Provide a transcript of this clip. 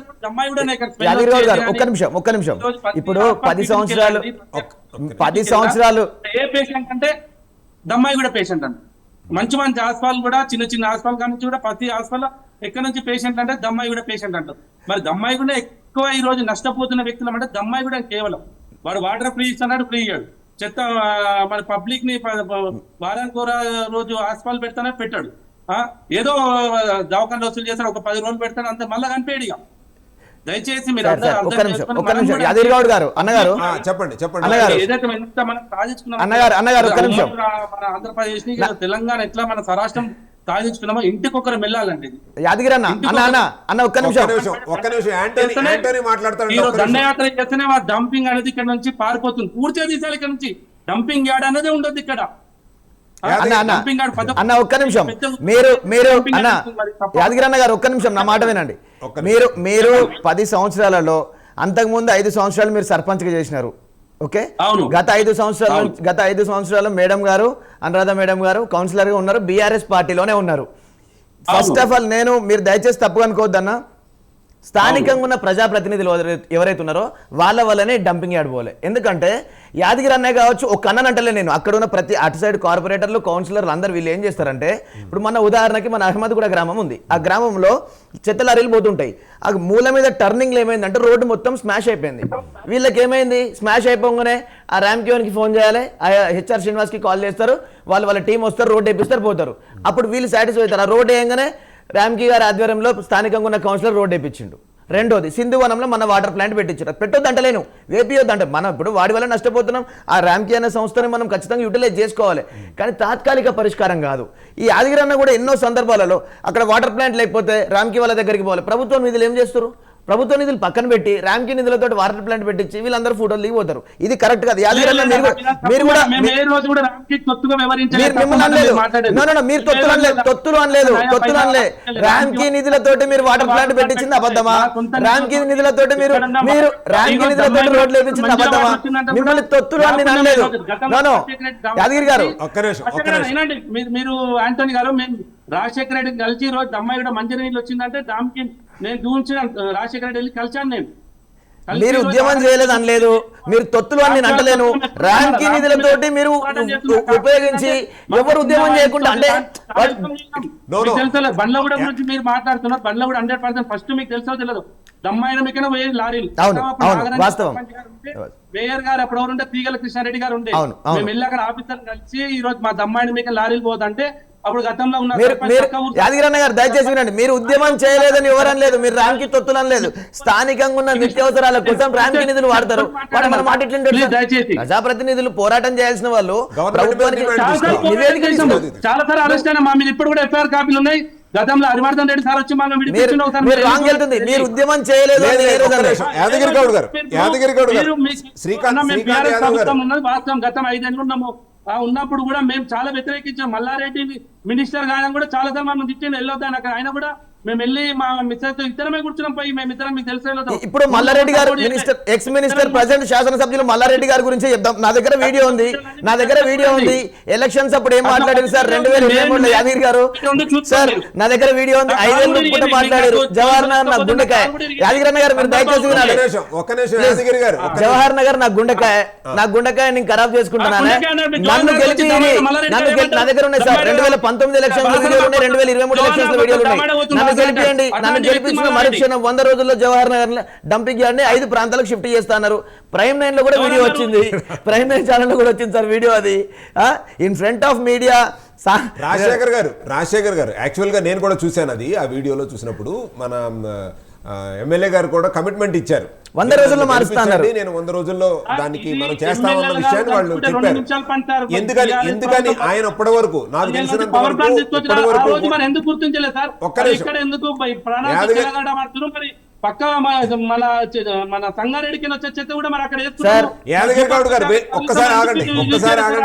యాదగిరి గౌడ్ గారు ఒక్క నిమిషం ఇప్పుడు 10 సంవత్సరాలు ఏ పేషెంట్ అంటే దమ్మాయి కూడా పేషెంట్ అంట. మంచి మంచి హాస్పిటల్ కూడా చిన్న చిన్న హాస్పిటల్ కానీ కూడా ప్రతి హాస్పిటల్ ఎక్కడి నుంచి పేషెంట్ అంటే దమ్మాయి కూడా పేషెంట్ అంటారు. మరి దమ్మాయి కూడా ఎక్కువ ఈ రోజు నష్టపోతున్న వ్యక్తులు అంటే దమ్మాయి కూడా కేవలం వాడు వాటర్ ఫ్రీ ఇస్తున్నాడు, ఫ్రీ ఇయ్యాడు. చెత్త మన పబ్లిక్ ని వారానికి రోజు హాస్పిటల్ పెడతానే పెట్టాడు. ఏదో దవాఖాన వసూలు చేస్తాడు, ఒక 10 రోజులు పెడతాడు, అంతే మళ్ళా కనిపేడు. ఇక దయచేసి మీరు యాదగిరి గౌడ్ గారు అన్నగారు చెప్పండి ఏదైతే ఎంత మనం సాధించుకున్నాం మన ఆంధ్రప్రదేశ్ ని తెలంగాణ ఎట్లా మన స్వరాష్ట్రం సాధించుకున్నామో ఇంటికొకరు వెళ్ళాలంటే యాదగిరి అన్న ఒక్క నిమిషం దండయాత్ర చేస్తేనే ఆ డంపింగ్ అనేది ఇక్కడ నుంచి పారిపోతుంది. పూర్తిగా తీసాలి ఇక్కడ నుంచి. డంపింగ్ యార్డ్ అనేది ఉండదు ఇక్కడ. అన్న ఒక్క నిమిషం మీరు అన్న యాదగిరి అన్న గారు ఒక్క నిమిషం నా మాట వినండి. మీరు 10 సంవత్సరాలలో అంతకుముందు 5 సంవత్సరాలు మీరు సర్పంచ్గా చేసినారు. ఓకే, గత 5 సంవత్సరాలు మేడం గారు అనురాధ మేడం గారు కౌన్సిలర్ గా ఉన్నారు, బీఆర్ఎస్ పార్టీలోనే ఉన్నారు. ఫస్ట్ ఆఫ్ ఆల్ మీరు దయచేసి తప్పుగా అనుకోవద్దన్న, స్థానికంగా ఉన్న ప్రజాప్రతినిధులు ఎవరైతే ఉన్నారో వాళ్ళ వల్లనే డంపింగ్ యార్డ్ పోలే. ఎందుకంటే యాదగిరి అన్నయ్య కావచ్చు, ఒక అన్ననంటలే నేను అక్కడ ఉన్న ప్రతి అటు సైడ్ కార్పొరేటర్లు కౌన్సిలర్లు అందరు వీళ్ళు ఏం చేస్తారంటే, ఇప్పుడు మన ఉదాహరణకి మన అహ్మద్గూడ గ్రామం ఉంది, ఆ గ్రామంలో చెత్త లారీలు పోతుంటాయి. ఆ మూల మీద టర్నింగ్లో ఏమైందంటే రోడ్డు మొత్తం స్మాష్ అయిపోయింది. వీళ్ళకి ఏమైంది, స్మాష్ అయిపోగానే ఆ ర్యామ్కి ఫోన్ చేయాలి, ఆ హెచ్ఆర్ శ్రీనివాస్కి కాల్ చేస్తారు, వాళ్ళ టీం వస్తారు, రోడ్డు వేపిస్తారు, పోతారు. అప్పుడు వీళ్ళు సాటిస్ఫై అవుతారు. ఆ రోడ్డు వేయగానే రామ్కి గారి ఆధ్వర్యంలో స్థానికంగా ఉన్న కౌన్సిలర్ రోడ్ వేయించిండు. రెండోది సింధువనంలో మన వాటర్ ప్లాంట్ పెట్టించారు. పెట్టొద్దు అంటలేను, వేపియొద్దు అంటే మనం ఇప్పుడు వాడి వల్ల నష్టపోతున్నాం. ఆ ర్యామ్కి అనే సంస్థని మనం ఖచ్చితంగా యూటిలైజ్ చేసుకోవాలి, కానీ తాత్కాలిక పరిష్కారం కాదు. ఈ యాదగిరి అన్న కూడా ఎన్నో సందర్భాలలో అక్కడ వాటర్ ప్లాంట్ లేకపోతే రామ్కి వాళ్ళ దగ్గరికి పోవాలి. ప్రభుత్వం నిధులు ఏం చేస్తారు, ప్రభుత్వ నిధులు పక్కన పెట్టి ర్యామ్కి నిధులతో వాటర్ ప్లాంట్ పెట్టించి వీళ్ళందరూ ఫోటోలు దిగిపోతారు. ఇది కరెక్ట్ కాదు. యాదగిరి అన్న మీరు కూడా తొత్తులు అనలేదు. ర్యామ్కి నిధులతోటి మీరు వాటర్ ప్లాంట్ పెట్టించింది అబద్ధమా? ర్యామ్కి నిధులతోటి మీరు ర్యామ్కి నిధులతోటి రోడ్లు వేయించింది అబద్ధమా? మిమ్మల్ని తొత్తులు అని నేను అనలేదు. యాదగిరి గారు మీరు ఆంటోనీ గారు రాజశేఖర రెడ్డి కలిసి రోజు అమ్మాయి కూడా మంచి నీళ్ళు వచ్చిందంటే దానికి నేను చూసిన రాజశేఖర రెడ్డి వెళ్ళి కలిసాను. నేను మీరు ఉద్యమం చేయలేదు అనలేదు, మీరు తొత్తులు అని నేను అంటలేను. ర్యాంక్ నిధులతోటి మీరు ఉపయోగించి ఎవరు ఉద్యమం చేయకుండా అంటే తెలుసా బండ్ల కూడా గురించి మీరు మాట్లాడుతున్నారు. బండ్ల కూడా 100% ఫస్ట్ మీకు తెలుసో తెలియదు, దమ్మాయిన మీకైనా వేరే లారీలు మేయర్ గారు అప్పుడు ఎవరుంటే తీగల కృష్ణారెడ్డి గారు ఉండే, మేము వెళ్ళి అక్కడ ఆఫీసర్ కలిసి ఈ రోజు మా దమ్మాయిన మీకు లారీలు పోదంటే అప్పుడు గతంలో ఉన్న యాదగిరి అన్న గారు దయచేసి వినండి. మీరు ఉద్యమం చేయలేదని ఎవరని లేదు, మీరు ర్యాంకి తొత్తులని లేదు. స్థానికంగా ఉన్న నిత్యావసరాల కోసం ర్యాంకి నిధులు వాడతారు. మన మాట ప్రజాప్రతినిధులు పోరాటం చేయాల్సిన వాళ్ళు ప్రభుత్వానికి చాలా సార్ అరెస్ట్ అయినా మా మీద ఇప్పుడు కూడా ఎఫ్ఐఆర్ కాపీలు ఉన్నాయి. గతంలో హరివర్ధన్ రెడ్డి సార్ వచ్చి మీరు ఉద్యమం చేయలేదు. వాస్తవం గతం 5 ఏళ్ళు ఉన్నాము ఉన్నప్పుడు కూడా మేము చాలా వ్యతిరేకించాం. మల్లారెడ్డి మినిస్టర్ గాయన కూడా చాలా సార్లు మనం తిట్టిండు, వెళ్ళొద్దాను అక్కడ. ఆయన కూడా మేము వెళ్ళి మా మిస్టర్ ఇద్దరమే కూర్చున్నాం పోయి, మేము ఇద్దరం మీకు తెలిసి వెళ్ళొద్దాం. ఇప్పుడు మల్లారెడ్డి గారు ఎక్స్ మినిస్టర్ ప్రజెంట్ శాసనసభ్యులు మల్లారెడ్డి గారి గురించి చెప్దాం. నా దగ్గర వీడియో ఉంది. ఎలక్షన్స్ అప్పుడు ఏం మాట్లాడారు సార్ 2023లో యాదగిరి గారు సార్, నా దగ్గర వీడియో ఉంది. 5 ఏళ్ళు పూట మాట్లాడారు. జవహర్ నగర్ నా గుండెకాయ. యాదగిరి అన్న గారు మీరు దయచేసి వినాలి. జవహర్ నగర్ నా గుండెకాయ నేను ఖరాబ్ చేసుకుంటున్నాను. నన్ను గెలిపి నా దగ్గర ఉన్నాయి సార్ 2019 ఎలక్షన్స్ వీడియోలు ఉన్నాయి, 2023 ఎలక్షన్స్ వీడియోలు ఉన్నాయి. నన్ను గెలిపించిన మరుక్షణం 100 రోజుల్లో జవహర్ నగర్ డంపింగ్ యార్డ్ ని 5 ప్రాంతాలకు షిఫ్ట్ చేస్తున్నారు. ప్రైమ్ 9 లో కూడా వీడియో వచ్చింది, ప్రైమ్ 9 ఛానల్ లో కూడా వచ్చింది సార్ వీడియో. అది in front of media. Rajasekhar garu actual గా నేను కూడా చూశాను అది. ఆ వీడియోలో చూసినప్పుడు మన ఎమ్మెల్యే గారు కూడా కమిట్మెంట్ ఇచ్చారు, 100 రోజుల్లో మారుస్తున్నారు. నేను 100 రోజుల్లో దానికి మనం చేస్తామన్న విషయాన్ని వాళ్ళు చెప్పారు. ఎందుకని ఆయన అప్పటి వరకు నాకు తెలిసినంత వరకు ఎందుకు గుర్తించలేదు సార్? ఎందుకు పక్క మన సంగారెడ్డికి వచ్చే చెత్త కూడా మరి అక్కడ యాదగిరి గౌడ్ గారు ఒక్కసారి ఆగండి.